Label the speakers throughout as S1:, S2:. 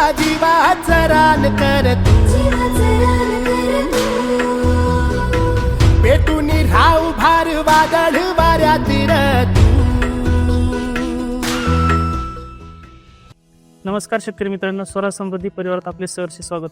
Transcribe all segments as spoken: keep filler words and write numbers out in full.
S1: जीवाचं रान कर तू, पेटून राहू भार वादळ वाऱ्यातील तू.
S2: नमस्कार शेतकरी मित्रांनो, स्वराज समृद्धी परिवारात आपले सहर्ष स्वागत.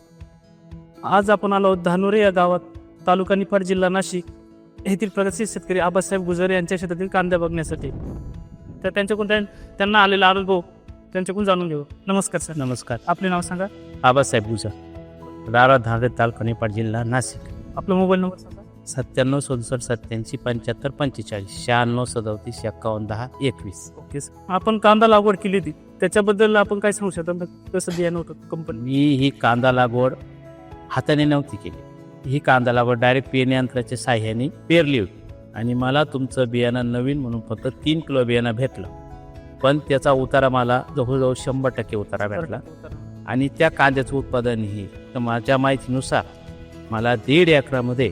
S2: आज आपण आलो आहोत धानोरे या गावात, तालुका निफाड, जिल्हा नाशिक येथील प्रगतशील शेतकरी आबासाहेब गुजरे यांच्या शेतातील कांदा बघण्यासाठी. तर त्यांच्याकडून त्यां- त्यांना आलेला अनुभव त्यांच्याकडून जाणून घेऊ. नमस्कार सर.
S3: नमस्कार.
S2: आपले नाव सांगा.
S3: आबासाहेब गुजर, रारा धानोरे, तालुका निफाड, जिल्हा नाशिक.
S2: आपला मोबाईल नंबर सांगा.
S3: सत्त्याण्णव सदुसष्ट सत्याऐंशी पंच्याहत्तर पंचेचाळीस शहाण्णव सदतीस एक्कावन्न दहा एकवीस.
S2: Okay sir. आपण कांदा लागवड केली होती, त्याच्याबद्दल आपण काय सांगू शकता? कसं बियाणं होतं कंपनी?
S3: मी ही कांदा लागवड हाताने नव्हती केली. ही कांदा लागवड डायरेक्ट पेरणी यंत्राच्या साह्याने पेरली होती आणि मला तुमचं बियाणं नवीन म्हणून फक्त तीन किलो बियाणं भेटलं, पण त्याचा उतारा मला जवळजवळ शंभर टक्के उतारा भेटला. आणि त्या कांद्याचं उत्पादन ही तर माझ्या माहितीनुसार मला दीड एकरामध्ये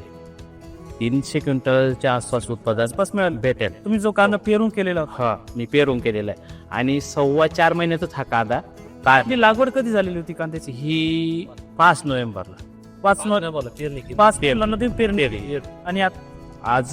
S3: तीनशे क्विंटलच्या आसपास उत्पादन
S2: आसपास मिळालं
S3: भेटेल.
S2: तुम्ही जो कांदा पेरून केलेला होता,
S3: हा, मी पेरून केलेला आहे आणि सव्वा चार महिन्यातच हा कांदा का
S2: आपली लागवड कधी झालेली होती कांद्याची?
S3: ही पाच नोव्हेंबरला
S2: पाच नोव्हेंबर पाच पेरणी पेरणी केली. आणि आता
S3: आज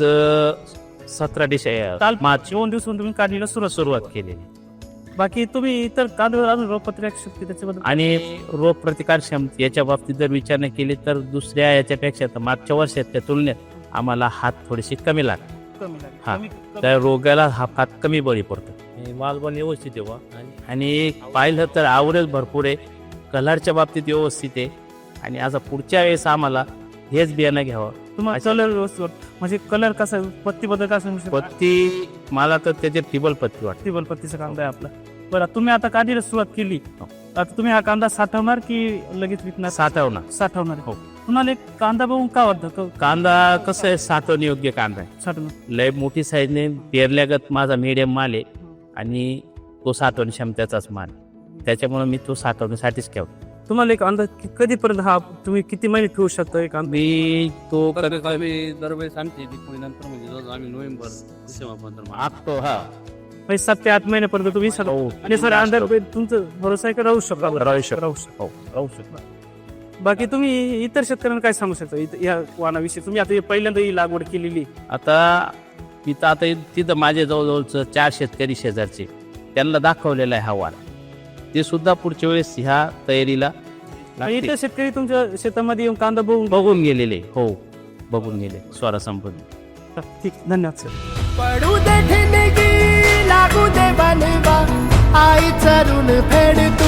S3: सतरा डिसेंबर
S2: काल
S3: मार्च
S2: दोन दिवसांनी तुम्ही काढणीला सुरुवात
S3: सुरुवात केलेली.
S2: बाकी तुम्ही इतर कांद्यावर अजून रोगप्रतिकारक शक्ती त्याच्याबद्दल
S3: आणि रोग प्रतिकार क्षमता याच्या बाबतीत जर विचार नाही केली तर दुसऱ्या याच्यापेक्षा तर मागच्या वर्षाच्या तुलनेत आम्हाला हात थोडेसे कमी लागतात.
S2: कमी लागेल.
S3: हा.
S2: कमी- कमी-
S3: त्या रोगाला हा हात कमी बळी पडतो
S4: माल पण व्यवस्थित आहे बा.
S3: आणि पाहिलं तर आवरेज भरपूर आहे, कलरच्या बाबतीत व्यवस्थित आहे. आणि आता पुढच्या वेळेस आम्हाला हेच बियाणं घ्यावं.
S2: तुम्हाला कलर व्यवस्थित म्हणजे कलर कसा आहे? पत्ती बद्दल काय सांगू शकता?
S3: पत्ती मला तर त्याची टिबल पत्ती वाटते.
S2: टिबल पत्तीचा कांदा आहे आपला. बरं, तुम्ही आता काढणीला सुरुवात केली, आता तुम्ही हा कांदा साठवणार की लगेच विकणार?
S3: साठवणार.
S2: साठवणार.
S3: हो.
S2: तुम्हाला एक कांदा बघून का वाटतं
S3: कांदा कसं आहे, साठवण योग्य कांदा आहे.
S2: साठवणार?
S3: लय मोठी साईजने पेरल्यागत माझा मीडियम माल आहे आणि तो साठवण क्षमतेचाच माल आहे. त्याच्यामुळे मी तो साठवण्यासाठीच ठेवतो.
S2: तुम्हाला एक अंदाज कि- कधीपर्यंत हा तुम्ही किती महिने ठेवू शकता एक कांदा?
S3: मी तो
S4: कधी कधी दरवेळेस आणते दिवाळी नंतर म्हणजे जवळ आम्ही नोव्हेंबर डिसेंबर
S3: आखतो. हा,
S2: म्हणजे सात ते आठ महिन्यापर्यंत तुम्ही साठव-
S3: हो.
S2: आणि सर अंदाज तुमचं भरोसा आहे का? राहू शकता.
S3: राहू शकतो.
S2: राहू शकता.
S3: हो, राहू शकतो.
S2: बाकी तुम्ही इतर शेतकऱ्यांना काय सांगू शकता इत- या वाणाविषयी? तुम्ही आता हे पहिल्यांदा ही लागवड केलेली,
S3: आता मी तर आता तिथं माझे जवळजवळचं चार शेतकरी शेजारचे त्यांना दाखवलेला आहे हा वाण. ते सुद्धा पुढच्या वेळेस ह्या तयारीला लागतील.
S2: इतर शेतकरी तुमच्या शेतामध्ये येऊन कांदा बघून
S3: बघून गेलेले. हो, बघून गेले. स्वरा संपूर्ण.
S2: ठीक, धन्यवाद सर.
S1: पडू दे ठिणगी लागू दे बनवा, आई चरून फेड तू.